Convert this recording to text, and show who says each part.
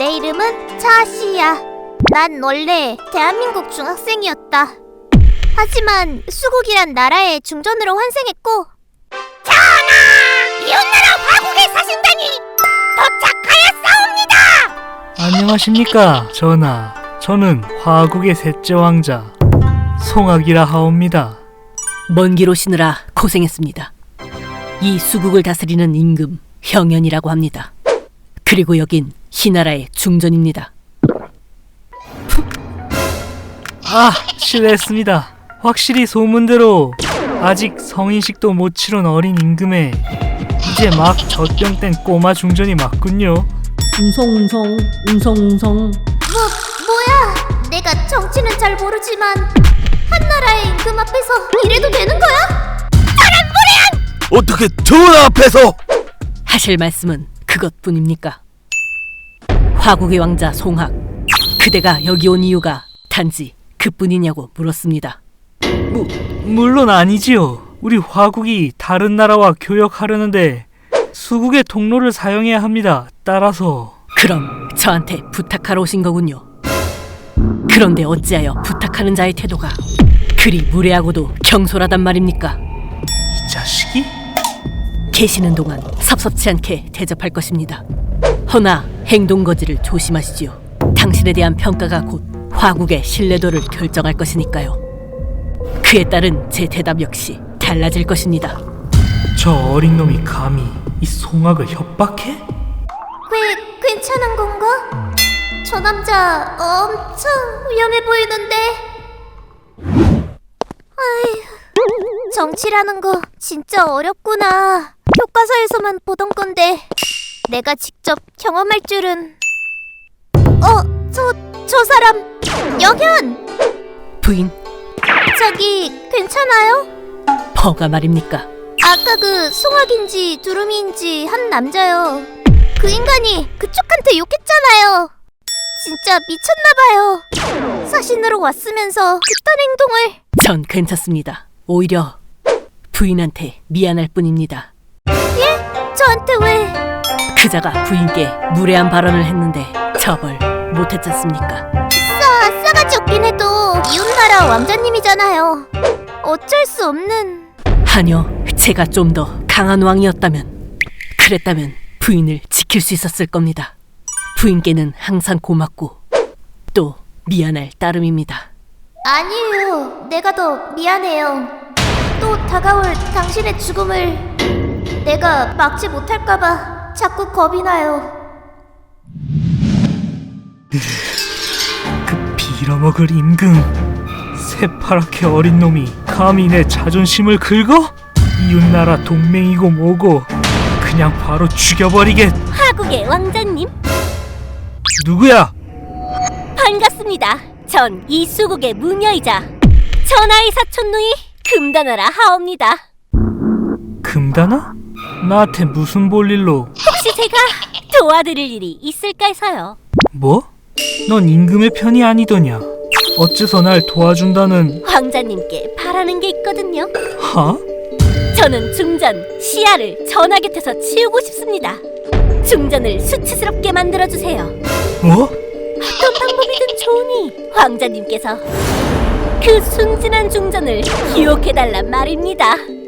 Speaker 1: 내 이름은 차시야. 난 원래 대한민국 중학생이었다. 하지만 수국이란 나라의 중전으로 환생했고, 전하! 이웃나라 화국에 사신다니 도착하였사옵니다!
Speaker 2: 안녕하십니까 전하. 저는 화국의 셋째 왕자 송악이라 하옵니다.
Speaker 3: 먼 길 오시느라 고생했습니다. 이 수국을 다스리는 임금 형연이라고 합니다. 그리고 여긴 희나라의 중전입니다.
Speaker 2: 실례했습니다. 확실히 소문대로 아직 성인식도 못 치룬 어린 임금에 이제 막 젖병 뗀 꼬마 중전이 맞군요.
Speaker 3: 웅성웅성 웅성웅성.
Speaker 1: 뭐야? 내가 정치는 잘 모르지만 한나라의 임금 앞에서 이래도 되는 거야?
Speaker 4: 어떻게 전하 앞에서?
Speaker 3: 하실 말씀은 그것뿐입니까? 화국의 왕자 송학, 그대가 여기 온 이유가 단지 그뿐이냐고 물었습니다.
Speaker 2: 물론 아니지요. 우리 화국이 다른 나라와 교역하려는데 수국의 통로를 사용해야 합니다. 따라서
Speaker 3: 그럼 저한테 부탁하러 오신 거군요. 그런데 어찌하여 부탁하는 자의 태도가 그리 무례하고도 경솔하단 말입니까?
Speaker 2: 이 자식이?
Speaker 3: 계시는 동안 섭섭치 않게 대접할 것입니다. 허나 행동거지를 조심하시지요. 당신에 대한 평가가 곧 화국의 신뢰도를 결정할 것이니까요. 그에 따른 제 대답 역시 달라질 것입니다.
Speaker 2: 저 어린 놈이 감히 이 송악을 협박해?
Speaker 1: 괜찮은 건가? 저 남자 엄청 위험해 보이는데. 아휴, 정치라는 거 진짜 어렵구나. 교과서에서만 보던 건데 내가 직접 경험할 줄은. 저 사람 영현!
Speaker 3: 부인,
Speaker 1: 저기 괜찮아요?
Speaker 3: 뭐가 말입니까?
Speaker 1: 아까 그 송악인지 두루미인지 한 남자요. 그 인간이 그쪽한테 욕했잖아요. 진짜 미쳤나봐요. 사신으로 왔으면서 그딴 행동을.
Speaker 3: 전 괜찮습니다. 오히려 부인한테 미안할 뿐입니다.
Speaker 1: 예? 저한테 왜?
Speaker 3: 그자가 부인께 무례한 발언을 했는데 처벌 못했잖습니까?
Speaker 1: 싸가지 없긴 해도 이웃나라 왕자님이잖아요. 어쩔 수 없는.
Speaker 3: 아니요, 제가 좀 더 강한 왕이었다면, 그랬다면 부인을 지킬 수 있었을 겁니다. 부인께는 항상 고맙고 또 미안할 따름입니다.
Speaker 1: 아니에요. 내가 더 미안해요. 또 다가올 당신의 죽음을 내가 막지 못할까봐 자꾸 겁이 나요.
Speaker 2: 그 빌어먹을 임금, 새파랗게 어린 놈이 감히 내 자존심을 긁어? 이웃나라 동맹이고 뭐고 그냥 바로 죽여버리겠.
Speaker 1: 화국의 왕자님
Speaker 2: 누구야?
Speaker 1: 반갑습니다. 전 이 수국의 무녀이자 전하의 사촌누이 금단아라 하옵니다.
Speaker 2: 금단아? 나한테 무슨 볼일로?
Speaker 1: 혹시 제가 도와드릴 일이 있을까 해서요.
Speaker 2: 뭐? 넌 임금의 편이 아니더냐? 어째서 날 도와준다는?
Speaker 1: 왕자님께 바라는 게 있거든요.
Speaker 2: 하?
Speaker 1: 저는 중전 시야를 전하 곁에서 치우고 싶습니다. 중전을 수치스럽게 만들어주세요.
Speaker 2: 뭐?
Speaker 1: 어떤 방법이든 좋으니 왕자님께서 그 순진한 중전을 유혹해달란 말입니다.